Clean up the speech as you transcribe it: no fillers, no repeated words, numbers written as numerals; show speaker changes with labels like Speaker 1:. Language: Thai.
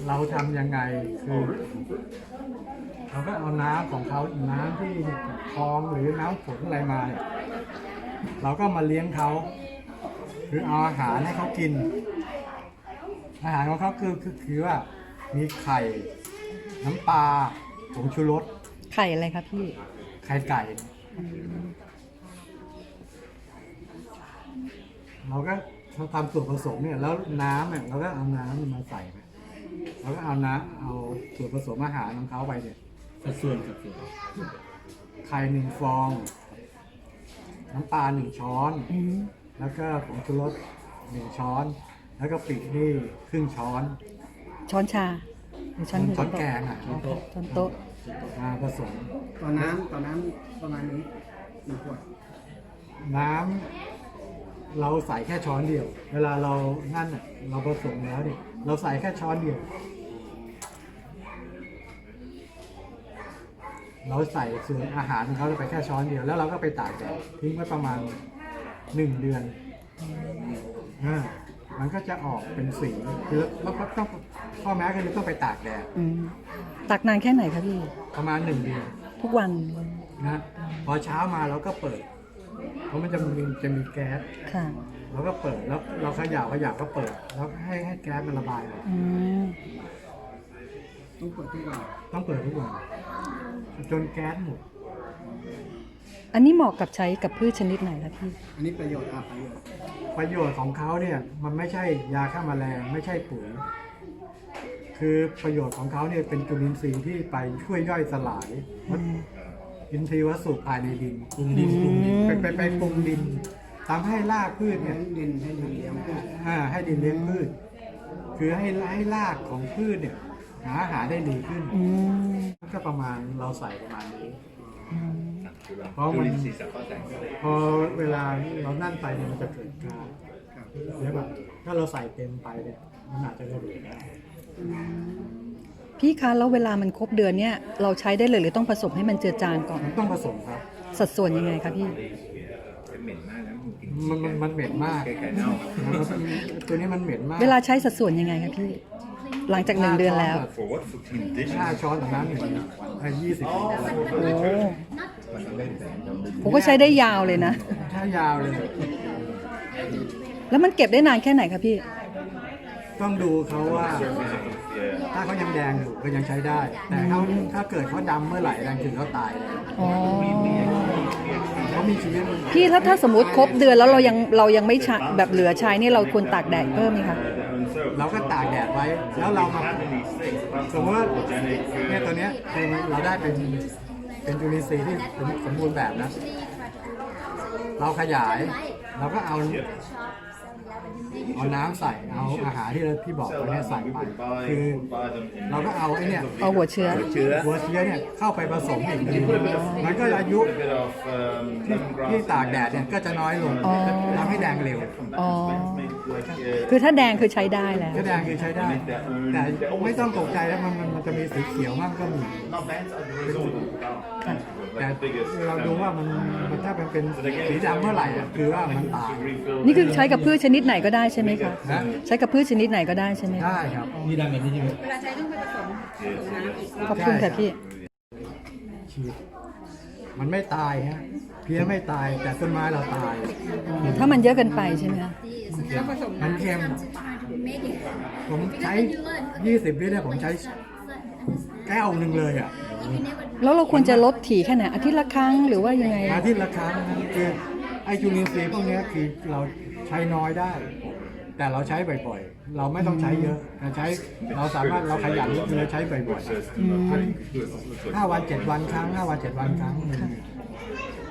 Speaker 1: เราทำยังไงคือเราก็เอาน้ำของเขาน้ำที่คลองหรือน้ำฝนอะไรมาเนี่ยเราก็มาเลี้ยงเขาคือเอาอาหารให้เขากิน อาหารของเขาคือว่ามีไข่น้ำปลาผงชูรส
Speaker 2: ไข่อะไรครับพี่
Speaker 1: ไข่ไก่ เราก็ทำส่วนผสมเนี่ยแล้วน้ำเนี่ยเราก็เอาน้ำมาใส่ไปเราก็เอาส่วนผสมอาหารของเขาไปเนี่ย
Speaker 3: สัดส่วน
Speaker 1: ไข่1 ฟอง น้ำปลา1 ช้อน แล้วก็ผงชูรส1 ช้อน แล้วก็ปินี่ครึ่งช้อน
Speaker 2: ช้อนชาหรือช้อน
Speaker 1: ช้อนแกงอ่ะ
Speaker 2: ช้อนโต๊ะช้อนโต๊ะ
Speaker 1: มาผสม
Speaker 4: ต่อน้ำประมาณนี้1 ขวด
Speaker 1: น้ำเราใส่แค่ช้อนเดียว เวลาเรานั่นน่ะเราผสมแล้วเนี่ยเราใส่แค่ช้อนเดียว เราใส่ส่วนอาหารของเขาไปแค่ช้อนเดียวแล้วเราก็ไปตากแดดทิ้งไว้ประมาณ1 เดือนมันก็จะออกเป็นสีคือเราต้องข้อแม้คือต้องไปตากแดด
Speaker 2: ตักนานแค่ไหนครับพี่
Speaker 1: ประมาณ1 เดือน
Speaker 2: ทุกวัน
Speaker 1: นะพอเช้ามาเราก็เปิด เพราะมันจะมีแก๊ส
Speaker 2: ค่ะ
Speaker 1: เราก็เปิดแล้วเราเขย่าก็เปิดแล้วให้แก๊สมันระบายออก
Speaker 2: อืม
Speaker 4: ต้องเปิดทุกวัน
Speaker 1: ต้องเปิดทุกวันจนแก๊สหมด
Speaker 2: อันนี้เหมาะกับใช้กับพืชชนิดไหนครับพี่
Speaker 4: อันนี้ประโยชน์
Speaker 1: ประโยชน์ของเขาเนี่ยมันไม่ใช่ยาฆ่าแมลงไม่ใช่ปุ๋ยคือประโยชน์ของเขาเนี่ยเป็นจุลินทรีย์ที่ไปช่วยย่อยสลายอินทรีย์วัสดุภายในดิน
Speaker 3: ปรุงดิน
Speaker 1: ไปปรุงดินทำให้รากพืชเนี่ย
Speaker 4: ให้ดินเลี้ยงพืช
Speaker 1: ให้ดินเลี้ยงพืช คือให้รากของพืชเนี่ยหาอาหารได้ดีขึ้น ก็ประมาณเราใส่ประมาณนี้เพราะมันพอเวลาเรานั่นไปเนี่ยมันจะเกิดกา
Speaker 4: ครับ
Speaker 1: แล้วแบบถ้าเราใส่เต็มไปเนี่ยมันอาจจะระเบิดได้
Speaker 2: พี่คะแล้วเวลามันครบเดือนเนี่ยเราใช้ได้เลยหรือต้องผสมให้มันเจือจางก่อน
Speaker 1: มันต้องผสมครับ
Speaker 2: สัดส่วนยังไงครับพี่
Speaker 1: มันเหม็นมากตัวนี้มันเหม็นมาก
Speaker 2: เวลาใช้สัดส่วนยังไงครับพี่ หลังจาก1 เดือนแล้ว
Speaker 1: 5 ช้อนต่อน้ำ1 20
Speaker 2: โอ้ผมก็ใช้ได้ยาวเลยนะ
Speaker 1: ถ้ายาวเลย
Speaker 2: แล้วมันเก็บได้นานแค่ไหนครับพี่
Speaker 1: ต้องดูเขาว่า ถ้าเขายังแดงอยู่ก็ยังใช้ได้ แต่ถ้าเกิดเขาดำเมื่อไหร่แดงถึงเขาตายเลย
Speaker 2: อ๋อ
Speaker 1: เขามีชีวิต
Speaker 2: พี่ถ้าสมมติครบเดือนแล้วเรายังไม่ใช้แบบเหลือใช้นี่เราควรตากแดดเพิ่มไหมคะ
Speaker 1: เราก็ตากแดดไว้ แล้วเรามาสมมติว่าเนี่ยตัวเนี้ยเราได้เป็นจุลินทรีย์ที่สมบูรณ์แบบนะ เราขยายเราก็เอาน้ำใส่เอาอาหารที่พี่บอกไปเนี่ยใส่ไปคือเราก็เอาไอ้เนี่ย
Speaker 2: เอาหัวเชื้อ
Speaker 1: หัวเชื้อเนี่ยเข้าไปผสมอีกทีมันก็อายุที่ตากแดดเนี่ยก็จะน้อยลงทำให้แดงเร็ว
Speaker 2: อ๋อ คือถ้าแดงคือใช้ได้แล้ว
Speaker 1: ก็แดงคือใช้ได้ แต่ไม่ต้องตกใจแล้วมันจะมีสีเขียวมากก็มี
Speaker 2: ค่ะ
Speaker 1: แต่เราดูว่ามันถ้าเป็นสีดำเมื่อไหร่อะคือว่ามันตาย
Speaker 2: นี่คือใช้กับพืชชนิดไหนก็ได้ใช่ไหมคะ
Speaker 1: นะ
Speaker 2: ใช้กับพืชชนิดไหนก็ได้ใช่ไหมคะ
Speaker 1: ได้ครับ
Speaker 3: นี่ดำแบบนี้ใช่ไหม
Speaker 5: เวลาใช้ต้องไปผสมน้ำอีก
Speaker 2: ขอบคุณค่ะพี่
Speaker 1: ฉีดมันไม่ตายฮะเพี้ยไม่ตายแต่ต้นไม้เราตาย
Speaker 2: ถ้ามันเยอะเกินไปใช่ไหมคะ
Speaker 5: แล้วผสม
Speaker 1: มันเค็ม ผมใช้ 20 ลิตรเนี่ยผมใช้แก้วหนึ่งเลยอ่ะ
Speaker 2: แล้วเราควรจะลดถี่แค่ไหนอาทิตย์ละครั้งหรือว่ายังไง
Speaker 1: อาทิตย์ละครั้งนะคือไอจุลินทรีย์พวกเนี้ยคือเราใช้น้อยได้ แต่เราใช้บ่อยๆ เราไม่ต้องใช้เยอะแต่เราสามารถเราขยันคือเราใช้บ่อยๆ5 วัน 7 วันครั้ง5 วัน 7 วันครั้งหนึ่ง